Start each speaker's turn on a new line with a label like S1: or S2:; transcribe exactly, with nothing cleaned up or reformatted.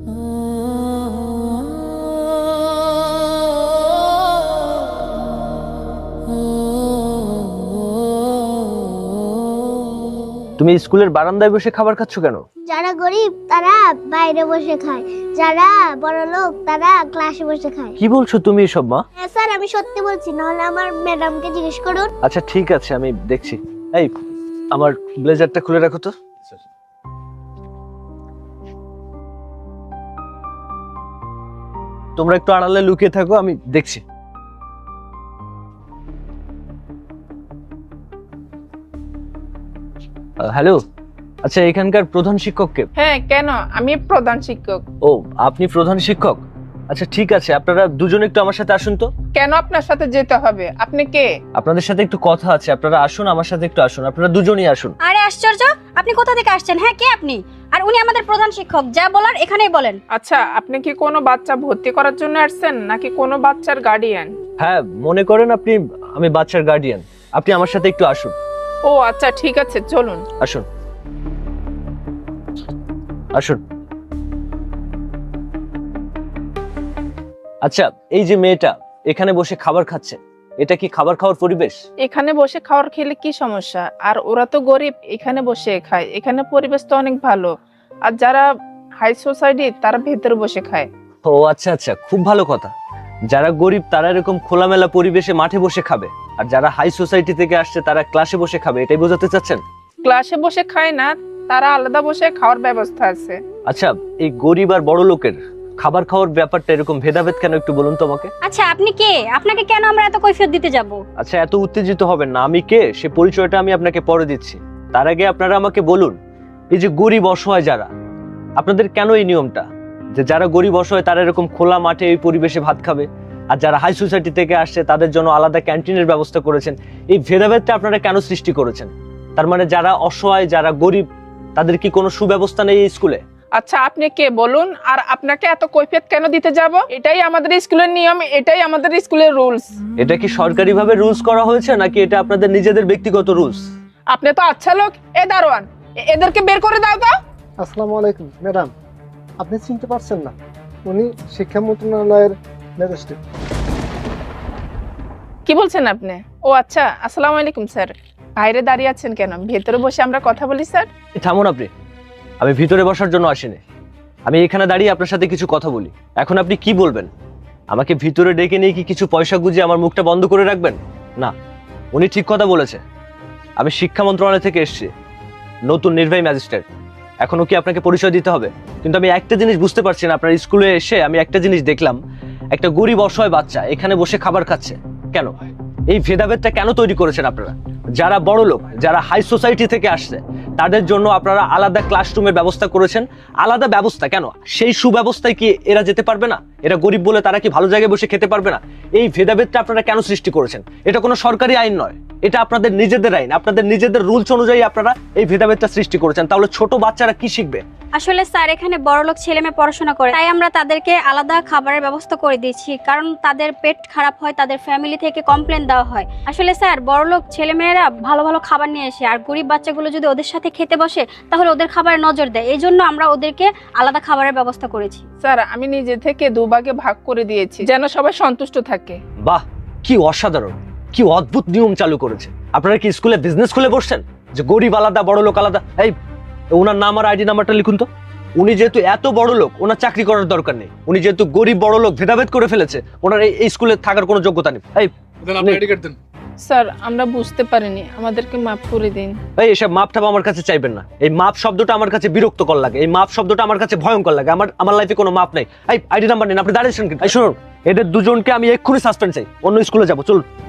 S1: তুমি স্কুলের বারান্দায় বসে খাবার খাচ্ছ কেন?
S2: যারা গরিব তারা বাইরে বসে খায়, যারা বড় লোক তারা ক্লাসে বসে খায়।
S1: কি বলছো তুমি এসব মা?
S2: হ্যাঁ স্যার, আমি সত্যি বলছি, নাহলে আমার ম্যাডামকে জিজ্ঞেস করুন।
S1: আচ্ছা ঠিক আছে, আমি দেখছি। এই আমার ব্লেজারটা খুলে রাখো তো। তোমরা একটু আড়ালে লুকিয়ে থাকো, আমি দেখছি। হ্যালো, আচ্ছা এখানকার প্রধান শিক্ষক কে?
S3: হ্যাঁ, কেন? আমি প্রধান শিক্ষক।
S1: ও, আপনি প্রধান শিক্ষক? আচ্ছা ঠিক আছে, আপনারা দুজন একটু আমার সাথে আসুন তো।
S3: কেন আপনার সাথে যেতে হবে? আপনি কে?
S1: আপনাদের সাথে একটু কথা আছে, আপনারা আসুন আমার সাথে একটু আসুন, আপনারা দুজনই আসুন।
S4: আরে আশ্চর্য, আপনি কোথা থেকে আসছেন? হ্যাঁ, কে আপনি? আর উনি আমাদের প্রধান শিক্ষক, যা বলার এখানেই বলেন।
S3: আচ্ছা, আপনি কি কোনো বাচ্চা ভর্তি করার জন্য আসছেন নাকি কোনো বাচ্চার গার্ডিয়ান?
S1: হ্যাঁ, মনে করেন আপনি আমি বাচ্চার গার্ডিয়ান, আপনি আমার সাথে একটু আসুন।
S3: ও আচ্ছা, ঠিক আছে, চলুন।
S1: আসুন আসুন। আচ্ছা, এই যে মেয়েটা এখানে বসে খাবার খাচ্ছে, এটা কি খাবার খাওয়ার পরিবেশ?
S3: এখানে বসে খাওয়ার খেলে কি সমস্যা? আর ওরা তো গরিব, এখানে বসে খায়, এখানে পরিবেশ তো অনেক ভালো। আর যারা হাই সোসাইটি তারা ভেতরে বসে খায়।
S1: ও আচ্ছা আচ্ছা, খুব ভালো কথা। যারা গরিব তারা এরকম খোলামেলা পরিবেশে মাঠে বসে খাবে, আর যারা হাই সোসাইটি থেকে আসছে তারা ক্লাসে বসে খাবে, এটাই বোঝাতে চাচ্ছেন?
S3: ক্লাসে বসে খায় না, তারা আলাদা বসে খাওয়ার ব্যবস্থা আছে।
S1: আচ্ছা, এই গরিব আর বড় লোকের খাবার খাওয়ার ব্যাপারটা এরকম ভেদাভেদ কেন, একটু বলুন তো আমাকে।
S4: আচ্ছা, আপনি কে? আপনাকে কেন আমরা এত কৈফিয়ত দিতে যাব?
S1: আচ্ছা, এত উত্তেজিত হবেন না, আমি কে সে পরিচয়টা আমি আপনাকে পরে দিচ্ছি। তার আগে আপনারা আমাকে বলুন, এই যে গরিব অসহায় যারা, আপনাদের কেন এই নিয়মটা যে যারা গরিব অসহায় তারা এরকম খোলা মাঠে এই পরিবেশে ভাত খাবে, আর যারা হাই সোসাইটি থেকে আসছে তাদের জন্য আলাদা ক্যান্টিনের ব্যবস্থা করেছেন? এই ভেদাভেদটা আপনারা কেন সৃষ্টি করেছেন? তার মানে যারা অসহায় যারা গরিব তাদের কি কোনো সুব্যবস্থা নেই এই স্কুলে?
S3: আচ্ছা, আপনি কে বলুন, আর আপনাকে এত কৈফিয়ত কেন দিতে যাব? এটাই আমাদের স্কুলের নিয়ম, এটাই আমাদের স্কুলের রুলস।
S1: এটা কি সরকারিভাবে রুলস করা হয়েছে নাকি এটা আপনাদের নিজেদের ব্যক্তিগত রুলস?
S3: আপনি তো আচ্ছা লোক। এ দারোয়ান, এ- এদেরকে বের করে দাও তো।
S5: আসসালামু আলাইকুম ম্যাডাম, আপনি চিনতে পারছেন না? উনি শিক্ষা মন্ত্রণালয়ের ম্যাজিস্ট্রেট।
S3: কি বলছেন আপনি? ও আচ্ছা, আসসালামু আলাইকুম স্যার। বাইরে দাঁড়িয়ে আছেন কেন? ভেতরে বসে আমরা কথা বলি স্যার।
S1: থামুন আপনি, আমি ভিতরে বসার জন্য আসিনি, আমি এখানে দাঁড়িয়ে আপনার সাথে কিছু কথা বলি। এখন আপনি কি বলবেন? আমাকে ভিতরে ডেকে নিয়ে কি কিছু পয়সা গুঁজে আমার মুখটা বন্ধ করে রাখবেন? না, উনি ঠিক কথা বলেছে। আমি শিক্ষা মন্ত্রণালয় থেকে এসেছি, নতুন নির্বাহী ম্যাজিস্ট্রেট। এখনো কি আপনাকে পরিচয় দিতে হবে? কিন্তু আমি একটা জিনিস বুঝতে পারছি না, আপনার স্কুলে এসে আমি একটা জিনিস দেখলাম, একটা গরিব অসহায় বাচ্চা এখানে বসে খাবার খাচ্ছে। কেন এই ভেদাভেদটা কেন তৈরি করেছেন আপনারা? যারা বড় লোক যারা হাই সোসাইটি থেকে আসছে তাদের জন্য আপনারা আলাদা ক্লাসরুমের ব্যবস্থা করেছেন। আলাদা ব্যবস্থা কেন? সেই সুব্যবস্থায় কি এরা যেতে পারবে না? এরা গরিব বলে তারা কি ভালো জায়গায় বসে খেতে পারবে না? এই ভেদাভেদটা আপনারা কেন সৃষ্টি করেছেন? এটা কোনো সরকারি আইন নয়, এটা আপনাদের নিজেদের আইন, আপনাদের নিজেদের রুলস অনুযায়ী আপনারা এই ভেদাভেদটা সৃষ্টি করেছেন। তাহলে ছোট বাচ্চারা কি শিখবে?
S4: আসলে স্যার, এখানে বড়লোক ছেলে মেয়ে পড়াশোনা করে, তাই আমরা তাদেরকে আলাদা খাবারের ব্যবস্থা করে দিয়েছি, কারণ তাদের পেট খারাপ হয়, তাদের ফ্যামিলি থেকে কমপ্লেন দেওয়া হয়। আসলে স্যার, বড়লোক ছেলে মেয়েরা ভালো ভালো খাবার নিয়ে আসে, আর গরিব বাচ্চাগুলো যদি ওদের সাথে খেতে বসে তাহলে ওদের খাবারে নজর দেয়। এই জন্য আমরা ওদেরকে আলাদা খাবারের ব্যবস্থা করেছি।
S3: স্যার, আমি নিজে থেকে দুভাগে ভাগ করে দিয়েছি যেন সবাই সন্তুষ্ট থাকে।
S1: বাহ, কি অসাধারণ, কি অদ্ভুত নিয়ম চালু করেছে। আপনারা কি স্কুলে বিজনেস খুলে বসছেন যে গরিব আলাদা বড় লোক আলাদা? এই ওনার নাম আর আইডি নাম্বারটা লিখুন তো। উনি যেহেতু এত বড় লোক, ওনার চাকরি করার দরকার নেই। উনি যেহেতু গরিব বড় লোক ভেদাভেদ করে ফেলেছে, ওনার এই স্কুলে থাকার কোনো যোগ্যতা নেই। এই
S3: স্যার, আমরা বুঝতে পারিনি, আমাদেরকে মাফ করে দিন।
S1: এই এসব মাপ টাপ আমার কাছে চাইবেন না। এই মাপ শব্দটা আমার কাছে বিরক্তকর লাগে, এই মাপ শব্দটা আমার কাছে ভয়ঙ্কর লাগে। আমার আমার লাইফে কোনো মাপ নেই। এই আইডি নাম্বার নেন, আপনি দাঁড়িয়েছেন কিন্তু। এই শুনুন, এদের দুজনকে আমি এক্ষুনি সাসপেন্ড চাই, অন্য স্কুলে যাবো, চলুন।